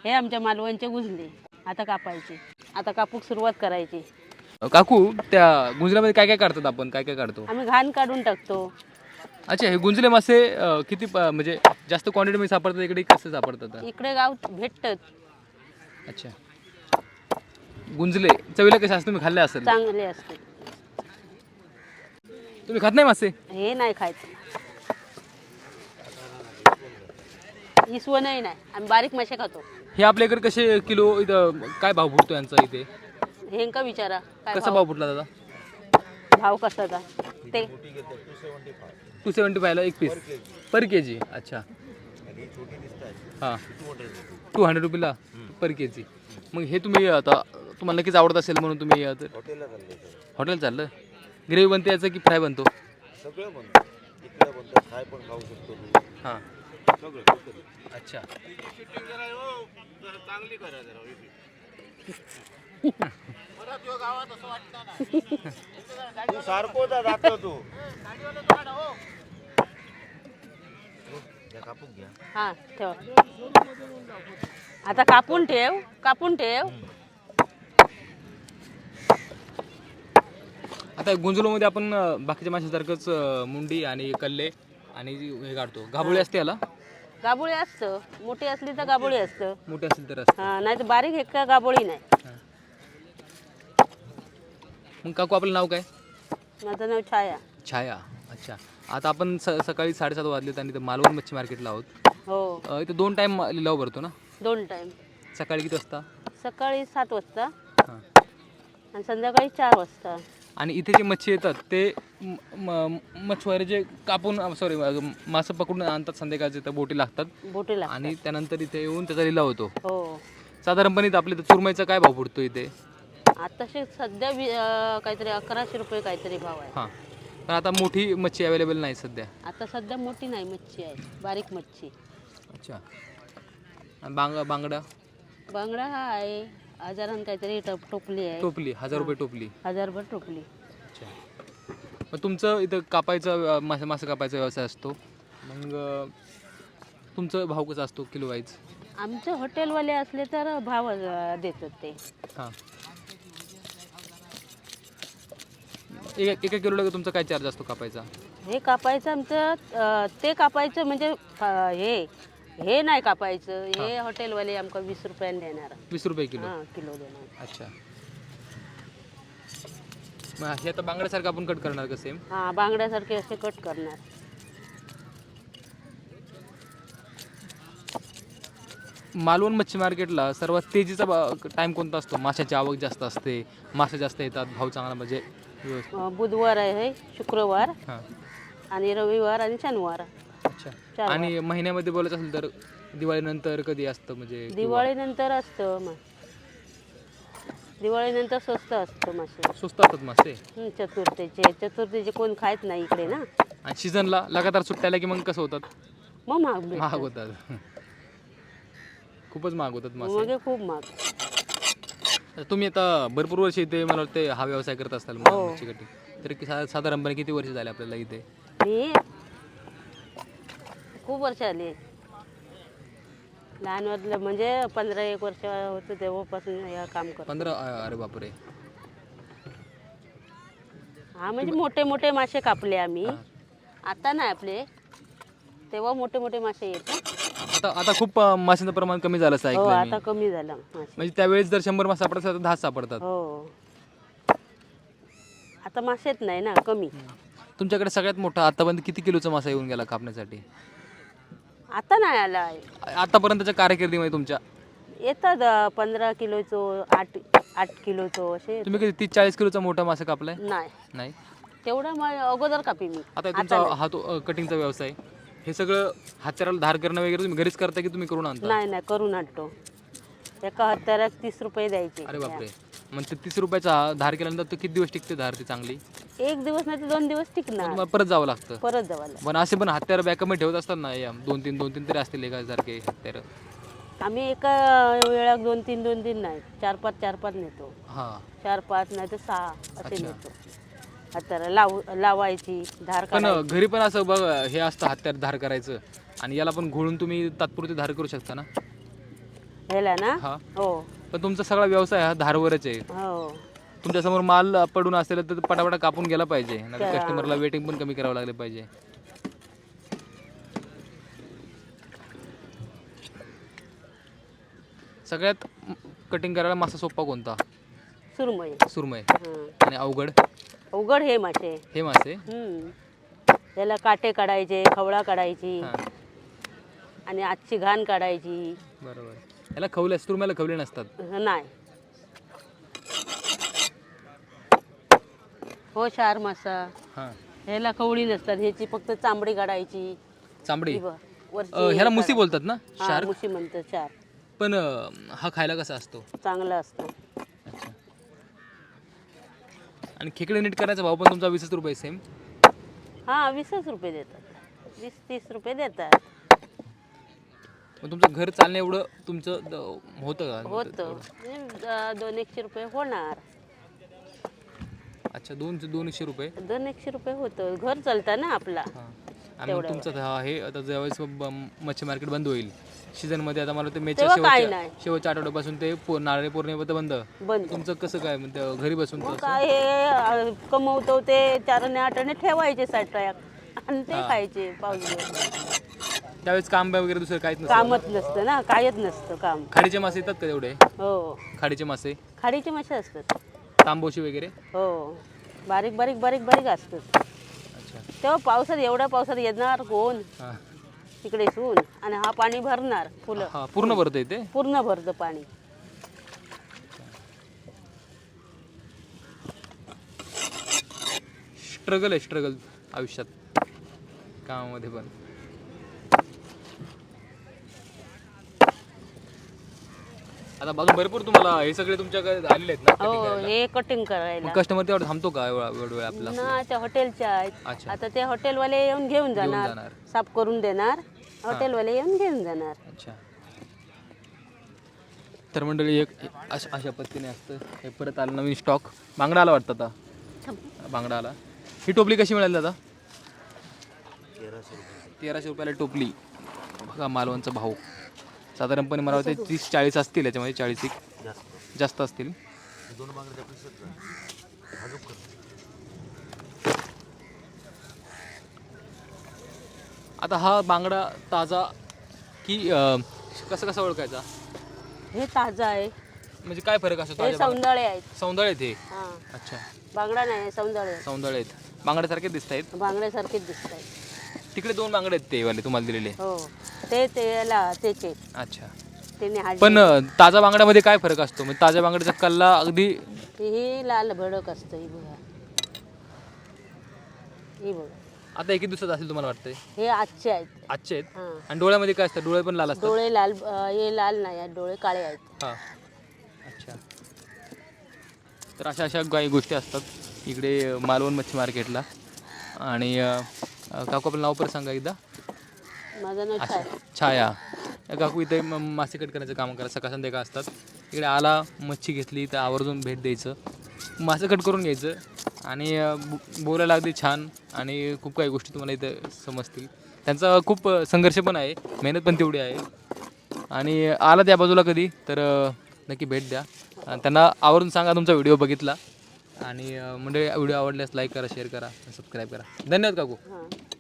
हे आमच्या मालवणचे गुंजले. आता कापायचे, आता कापूक सुरुवात करायची. काकू त्या गुंजल्यामध्ये काय काय काढतात आपण, काय काय काढतो? आम्ही घाण काढून टाकतो. अच्छा, हे गुंजले मासे किती म्हणजे जास्त क्वांटिटीमध्ये सापडतात इकडे, कसे सापडतात? इकडे गाव भेटतात. अच्छा, गुंजले चवीला कसे असतात? तुम्ही खाल्ले असेल. चांगले असते. तुम्ही खात नाही मासे? हे नाही खायचं. इसवणही नाही. आम्ही बारीक मासे खातो. हे आपल्या इकडे कसे किलो, इथं काय भाव फुटतो यांचा इथे? हे का विचारा काय कसा भाव फुटला दादा? भाव कसाचा ते 275 ला एक पीस पर केजी. अच्छा, हां, 200 रुपीला पर केजी. मग हे तुम्ही आता तुम्हाला नक्कीच आवडत असेल म्हणून तुम्ही हॉटेल चाललं. ग्रेव्ही बनते याचं की फ्राय बनतो? सगळं बनतं. इकडे बनतं, फ्राय पण खाऊ शकतो तू. हां, सगळं. अच्छा. चांगली करा जरा. तू सारखो जातो तू. कापून घ्या. हा ठेव. आता कापून ठेव, कापून ठेव. आता गुंजलोमध्ये आपण बाकीच्या माशासारखंच मुंडी आणि कल्ले आणि हे काढतो. गाभोळी असते याला? गाबोळी असतं. मोठी असली तर गाबोळी असतं. मोठे असेल तर असतं. हा, नाही तर बारीक एक का गाबोळी नाही. मग काकू आपलं नाव काय? माझं नाव छाया. छाया. अच्छा, आता आपण सकाळी 7:30 वाजलेत आणि इथं मालवण मच्छी मार्केटला आहोत. हो, इथं 2 टाईम लिलाव भरतो ना? 2 टाइम. सकाळी किती वाजता? सकाळी 7 वाजता हां. आणि संध्याकाळी 4 वाजता. आणि इथे जे मच्छी येतात ते मच्छीमारी जे कापून सॉरी मासे पकडून आणतात, संध्याकाळचे तर बोटी लागतात बोटी लागतात. आणि त्यानंतर इथे येऊन त्याचा लिलाव होतो. हो, साधारणपणे इथं आपल्या इथं चुरमईचा काय भाव पडतो इथे? आताशी सध्या काहीतरी 1100 रुपये काहीतरी भाव आहे. हां, पण आता मोठी मच्छी अवेलेबल नाही सध्या. आता सध्या मोठी नाही मच्छी आहे, बारीक मच्छी. अच्छा, आणि बांगडा? बांगडा हा आहे हजारानं काहीतरी टोपली आहे. टोपली 1000 रुपये टोपली. 1000 टोपली. अच्छा, मग तुमचं इथं कापायचं मासे कापायचा व्यवसाय असतो, मग तुमचं भाव कसा असतो किलो वाईज? आमचं हॉटेलवाले असले तर भाव देतात ते. हां, एका किलोला तुमचा काय चार्ज असतो कापायचा? हे कापायचं आमचं ते कापायचं म्हणजे हे नाही कापायचं. हे हॉटेलवाले आमका 20 रुपयाने देणार. 20 रुपये किलो? हां, किलो देणार. अच्छा, मग हे आता बांगड्यासारखं आपण कट करणार का सेम? हां, बांगड्यासारखे असे कट करणार. मालवण मच्छी मार्केटला सर्वात तेजीचा टाईम कोणता असतो? माशाची आवक जास्त असते, मासे जास्त येतात, भाव चांगला म्हणजे व्यवस्थित? बुधवार आहे, शुक्रवार हां, आणि रविवार आणि शनिवार. अच्छा. 4 आणि महिन्यामध्ये बोलायचं असेल तर दिवाळीनंतर कधी असतं म्हणजे? दिवाळीनंतर असतं मग. दिवाळीनंतर स्वस्त असतं मासे. स्वस्त असतात मासे? चतुर्थीचे कोण खायत नाही इकडे ना. आणि सीझनला लगातार सुट्ट्याला की मग कसं होतात? मग महाग भेटतात. महाग होतात. खूपच महाग होतात मासे. मग हे खूप महाग. तुम्ही आता भरपूर वर्ष इथे मला वाटते हा व्यवसाय करत असाल हो. मच्छी कटिंग, तर साधारणपणे किती वर्ष झाले आपल्याला इथे? मी खूप वर्ष आली. लहान वाटलं म्हणजे 15-1 वर्ष होतं तेव्हापासून हे काम करतो. 15? अरे बापरे. हा, म्हणजे मोठे मोठे मासे कापले आम्ही. आता नाही आपले, तेव्हा मोठे मोठे मासे येतात. आता खूप माशांचं प्रमाण कमी झालं असं हो, ऐकलं मी. आता कमी झालं मासे. म्हणजे त्यावेळेस जर 100 मासे सापडतात तर 10 सापडतात. हो, आता मासेच नाही ना, कमी. तुमच्याकडे सगळ्यात मोठा आतापर्यंत किती किलोचा मासा येऊन गेला कापण्यासाठी? आता नाही आला आहे. आतापर्यंतच्या कारकिर्दीमध्ये तुमच्या येतात 15 किलोचं, 8 किलोचं असे. तुम्ही कधी 30-40 किलोचा मोठा मासा कापलाय? नाही, नाही. तेवढं मग अगोदर कापी मी. आता तुमचा हा तो कटिंगचा व्यवसाय, हे सगळं हातचाराला धार करणं वगैरे तुम्ही घरीच करता की तुम्ही करून आणता? नाही करून आणतो. एका हत्यारात 30 रुपये द्यायचे. अरे बापरे. मग ते 30 रुपयाचा धार केल्यानंतर तो किती दिवस टिकते धार ती चांगली? 1 दिवस नाही तर 2 दिवस टिकणार. तुम्हाला परत जावं लागतं? परत जावायला. पण असे पण हत्यार बॅकअपमध्ये ठेवत असतात ना, 2-3 तरी असतील एकासारखे हत्यार? आम्ही एका वेळा 2-3 नाही, 4-5 नेतो. हां, 4-5 नाही तर 6 असे अच्छा. नेतो. हत्यारा लावायची, धार पण काढायची. घरी पण असं बघ हे असतं हत्यार धार करायचं, आणि याला पण घोळून तुम्ही तात्पुरती धार करू शकता ना? ह्याला ना हा हो पण तुमचा सगळा व्यवसाय हा धारवरच आहे. हो तुमच्यासमोर माल पडून असेल तर पटापटा कापून गेला पाहिजे, नाही त्या- कस्टमरला वेटिंग पण कमी करावं लागलं पाहिजे. सगळ्यात कटिंग करायला मासा सोपा कोणता? सुरमई. सुरमई. हं. आणि अवघड अवघड हे मासे. हे मासे. त्याला काटे काढायचे, खवळा काढायची हां आणि आजची घाण काढायची. बरोबर. याला खवले, सुरमईला खवले नसतात. नाही हो क्षार मासा हां ह्याला खवळी नसतात, ह्याची फक्त चांबडी काढायची. चांबडी. ही बघ, वरची ह्याला हे मुसी काढा- बोलतात ना, हा, शार्क. मुशी म्हणतात क्षार. पण हा खायला कसा असतो? चांगला असतो. अच्छा. आणि खेकडे नीट करायचा भाव पण तुमचा 20 रुपये सेम? हा 20च रुपये देतात, 20-30 रुपये देतात. मग तुमचं घर चालणं एवढं तुमचं होतं का? होतं 200-100 रुपये होणार. अच्छा, 200 रुपये. 200-100 रुपये होतं, घर चालतं ना आपला. हां. आणि मग तुमचं हे आता ज्यावेळेस मच्छी मार्केट बंद होईल सीझनमध्ये, आता मला ते मेच्या तेव्हा काही नाही. शेवटच्या आठवड्यापासून ते नारळी पौर्णिमेपर्यंत बंद. बंद. तुमचं कसं काय म्हणजे घरी बसून मग काय हे कमवतो ते 4-8 ठेवायचे साठ्यात आणि ते खायचे पाऊस. त्यावेळेस काम वगैरे दुसरं काहीच नसतं? कामच नसतं ना, कायच नसतं काम. खाडीचे मासे येतात का तेवढे? हो खाडीचे मासे, खाडीचे मासे असतात. तांबोशी वगैरे? हो बारीक बारीक बारीक बारीक असतात. अच्छा. तेव्हा पावसात, एवढ्या पावसात येणार कोण हां तिकडे सून, आणि हा पाणी भरणार फुलं. हां पूर्ण भरतं इथे? पूर्ण भरतं पाणी. स्ट्रगल आहे, स्ट्रगल आयुष्यात कामामध्ये पण. आता बाजू भरपूर तुम्हाला हे सगळे तुमच्याकडे आलेले आहेत ना हो cutting करायला? हे कटिंग करायला. मग कस्टमर तेवढं थांबतो का एवढा वेळ आपला? ना त्या हॉटेलच्या आहेत. अच्छा. आता ते हॉटेलवाले येऊन घेऊन जाणार, जाणार. साफ करून देणार, हॉटेलवाले येऊन घेऊन जाणार. अच्छा. तर मंडळी एक अशा पद्धतीने असतं. हे परत आलं नवीन स्टॉक. बांगडा आला वाटतं आता. बांगडा आला. ही टोपली कशी मिळाली दादा? 1300 रुपयाला टोपली. बघा मालवणचा भाव. साधारणपणे मला वाटतं 30-40 असतील, याच्यामध्ये 40 जास्त असतील. आता हा बांगडा ताजा की कसा ओळखायचा? हे ताजा आहे, म्हणजे काय फरक असतो? हे सौंदळे आहेत. सौंदळे आहेत हे? हा अच्छा. बांगडा नाही, सौंदळे. सौंदळे आहेत. बांगड्यासारखे दिसत आहेत. बांगड्यासारखेच दिसत आहेत. तिकडे 2 बांगडे आहेत ते वाले तुम्हाला दिलेले. हो ते त्याला त्याचे अच्छा. त्याने हाडले. पण ताजा बांगड्यामध्ये काय फरक असतो? म्हणजे ताज्या बांगड्याचा कल्ला अगदी ही लाल भडक असतं. ही बघा, ही बघा. आता एक दिवसात असेल तुम्हाला वाटतंय? हे आजचे आहेत. आजचे आहेत. हां आणि डोळ्यामध्ये काय असतं? डोळे पण लाल असतात? डोळे लाल, हे लाल नाही आहेत, डोळे काळे आहेत. हां. अच्छा. तर अशा काही गोष्टी असतात इकडे मालवण मच्छी मार्केटला. आणि काकू आपलं नाव पण सांगा एकदा. माझं नाव अच्छा, छाया. छाया. या काकू इथे मासे कट करण्याचं काम करा, सकाळ संध्याकाळ असतात. इकडे आला, मच्छी घेतली तर आवर्जून भेट द्यायचं, मासे कट करून घ्यायचं आणि बोलायला अगदी छान. आणि खूप काही गोष्टी तुम्हाला इथे समजतील. त्यांचा खूप संघर्ष पण आहे, मेहनत पण तेवढी आहे. आणि आला त्या बाजूला कधी तर नक्की भेट द्या. त्यांना आवर्जून सांगा तुमचा व्हिडिओ बघितला. आणि म्हणजे व्हिडिओ आवडल्यास लाईक करा, शेअर करा, सबस्क्राईब करा. धन्यवाद काकू. हां